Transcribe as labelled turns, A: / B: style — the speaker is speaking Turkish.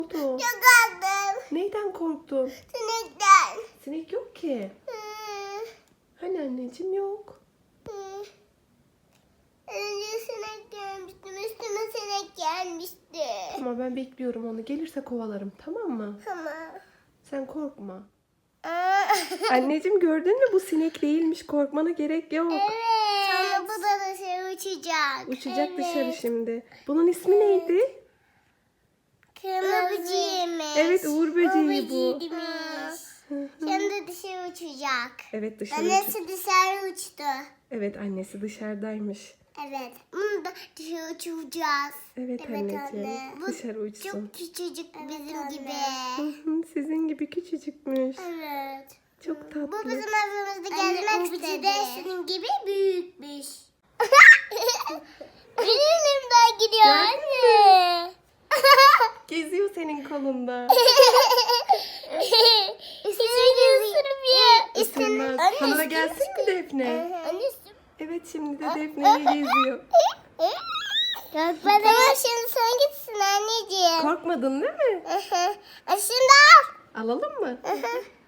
A: oldu?
B: Çok aldım.
A: Neyden korktun?
B: Sinekten.
A: Sinek yok ki. Hani anneciğim yok.
B: Önce sinek gelmişti. Üstüme sinek gelmişti.
A: Ama ben bekliyorum onu. Gelirse kovalarım, tamam mı?
B: Tamam.
A: Sen korkma. Anneciğim gördün mü? Bu sinek değilmiş. Korkmana gerek yok.
B: Evet. Sonra bu da dışarı uçacak.
A: Uçacak dışarı şimdi. Bunun ismi neydi?
B: Kırmızı böceğiymiş.
A: Evet, uğur böceği bu.
B: Şimdi dışarı uçacak.
A: Evet, dışarı
B: Annesi dışarı uçtu.
A: Evet, annesi dışarıdaymış.
B: Evet. Bunu da dışarı uçuracağız.
A: Evet, anneciğim.
B: anne. Bu
A: Dışarı uçsun.
B: çok küçücük bizim gibi.
A: Hı hı, sizin gibi küçücükmüş.
B: Evet.
A: Çok tatlı.
B: Bu bizim evimizde gezmek istedi. De senin gibi büyükmüş. Benim elimden gidiyor anne.
A: Geziyor senin kolunda.
B: İsmini ısırmıyor.
A: Isırmaz. Sana gelsin mi Defne?
B: Annesi.
A: Evet, şimdi de Defne'yi geziyor.
B: Tamam şimdi sen gitsin anneciğim.
A: Korkmadın değil mi?
B: Şimdi al.
A: Alalım mı?